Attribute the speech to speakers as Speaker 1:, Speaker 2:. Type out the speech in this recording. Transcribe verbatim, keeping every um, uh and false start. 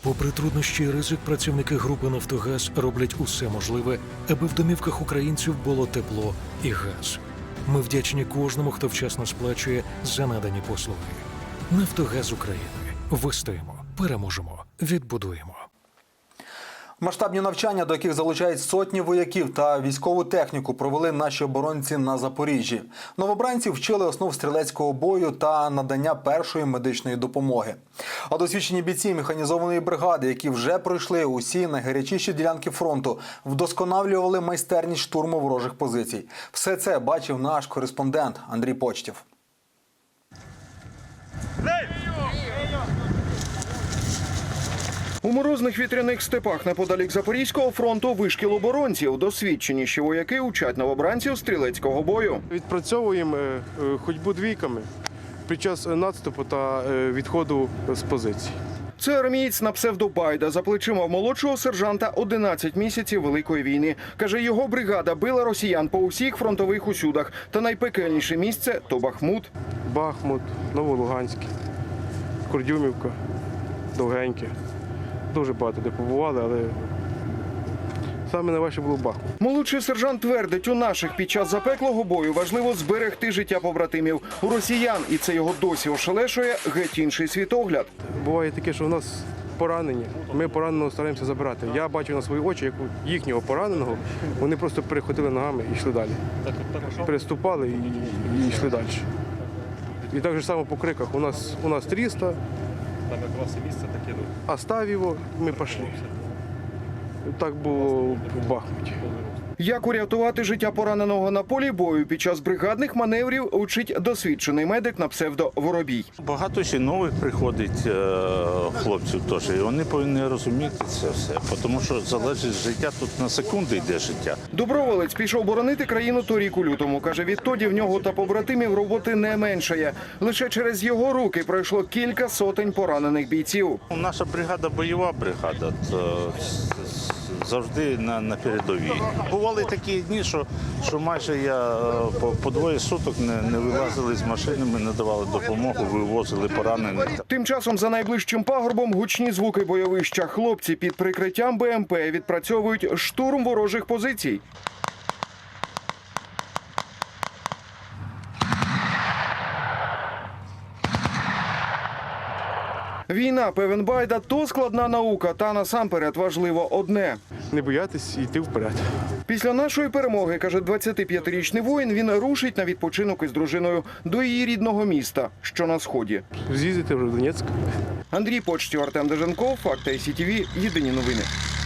Speaker 1: Попри труднощі і ризик, працівники групи «Нафтогаз» роблять усе можливе, аби в домівках українців було тепло і газ. Ми вдячні кожному, хто вчасно сплачує за надані послуги. «Нафтогаз України». Вистоїмо, переможемо, відбудуємо.
Speaker 2: Масштабні навчання, до яких залучають сотні вояків та військову техніку, провели наші оборонці на Запоріжжі. Новобранці вчили основ стрілецького бою та надання першої медичної допомоги. А досвідчені бійці механізованої бригади, які вже пройшли усі найгарячіші ділянки фронту, вдосконалювали майстерність штурму ворожих позицій. Все це бачив наш кореспондент Андрій Почтів.
Speaker 3: У морозних вітряних степах неподалік Запорізького фронту вишкіл оборонців. Досвідченіші вояки учать новобранців стрілецького бою.
Speaker 4: Відпрацьовуємо ходьбу двійками під час наступу та відходу з позицій.
Speaker 3: Це армієць на псевдо Байда. За плечима в молодшого сержанта одинадцять місяців Великої війни. Каже, його бригада била росіян по усіх фронтових усюдах. Та найпекельніше місце – то Бахмут.
Speaker 4: Бахмут, Новолуганський, Курдюмівка, Довгеньке. Дуже багато де побували, але саме найважче було Бахмут.
Speaker 3: Молодший сержант твердить, у наших під час запеклого бою важливо зберегти життя побратимів. У росіян, і це його досі ошелешує, геть інший світогляд.
Speaker 4: Буває таке, що в нас поранені, ми пораненого стараємося забирати. Я бачив на свої очі, як у їхнього пораненого, вони просто переходили ногами і йшли далі. Переступали і, і йшли далі. І так же само по криках. У нас, у нас тріста,
Speaker 5: там якраз і місце таке.
Speaker 4: оставь його, ми пішли. Так було в Бахмуті.
Speaker 3: Як урятувати життя пораненого на полі бою під час бригадних маневрів учить досвідчений медик на псевдо Воробій.
Speaker 6: Багато ще нових приходить хлопців теж, і вони повинні розуміти це все, тому що залежить життя, тут на секунди йде життя.
Speaker 3: Доброволець пішов боронити країну торік у лютому. Каже, відтоді в нього та побратимів роботи не меншає. Лише через його руки пройшло кілька сотень поранених бійців.
Speaker 6: Наша бригада бойова бригада, завжди на, на передовій. Бували такі дні, що, що майже я по, по двоє суток не, не вилазили з машини, ми не давали допомогу, вивозили поранених.
Speaker 3: Тим часом за найближчим пагорбом гучні звуки бойовища. Хлопці під прикриттям Б М Пе відпрацьовують штурм ворожих позицій. Війна, певен Байда, то складна наука, та насамперед важливо одне.
Speaker 4: Не боятись і йти вперед.
Speaker 3: Після нашої перемоги, каже двадцятип'ятирічний воїн, він рушить на відпочинок із дружиною до її рідного міста, що на сході.
Speaker 4: З'їздити вже в Донецьк.
Speaker 3: Андрій Почтів, Артем Деженков, Факти Ай Сі Ті Ві, єдині новини.